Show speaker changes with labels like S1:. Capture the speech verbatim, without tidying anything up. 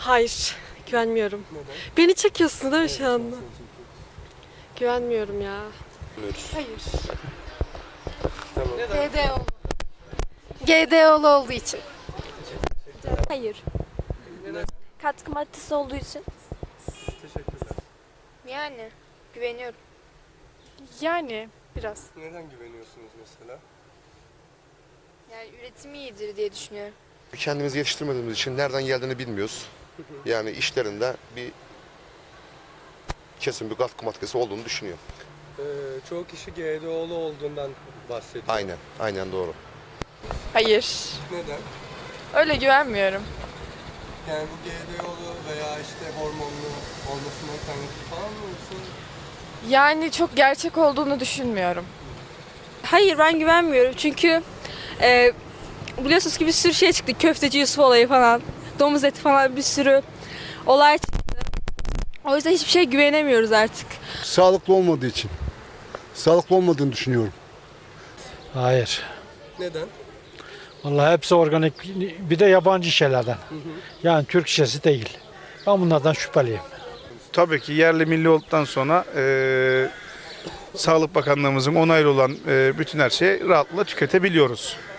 S1: Hayır, güvenmiyorum.
S2: Neden?
S1: Beni çekiyorsun değil mi
S2: Evet,
S1: şu anda?
S2: seni çekiyorum.
S1: Güvenmiyorum ya.
S3: Hayır.
S2: Tamam.
S3: G D O. G D O'lu olduğu için.
S4: Hayır.
S2: Neden?
S4: Katkı maddesi olduğu için.
S2: Teşekkürler.
S3: Yani güveniyorum.
S5: Yani biraz.
S2: Neden güveniyorsunuz mesela?
S3: Yani üretimi iyidir diye düşünüyorum.
S6: Kendimizi yetiştirmediğimiz için nereden geldiğini bilmiyoruz. Yani işlerinde bir kesin bir katkı maddesi olduğunu düşünüyor.
S2: Ee, çoğu kişi G D O'lu olduğundan bahsediyor.
S6: Aynen, aynen doğru.
S5: Hayır.
S2: Neden?
S5: Öyle güvenmiyorum.
S2: Yani bu G D O'lu veya işte hormonlu olmasından kaynaklı falan mı yoksa?
S5: Yani çok gerçek olduğunu düşünmüyorum.
S7: Hayır, ben güvenmiyorum çünkü e, biliyorsunuz ki bir sürü şey çıktı. Köfteci Yusuf olayı falan, domuz eti falan, bir sürü olay çıktı. O yüzden hiçbir şeye güvenemiyoruz artık.
S8: Sağlıklı olmadığı için. Sağlıklı olmadığını düşünüyorum.
S9: Hayır.
S2: Neden?
S9: Vallahi hepsi organik, bir de yabancı şeylerden. Yani Türk şişesi değil. Ben bunlardan şüpheliyim.
S10: Tabii ki yerli milli olduktan sonra e, Sağlık Bakanlığımızın onaylı olan e, bütün her şeyi rahatlıkla tüketebiliyoruz.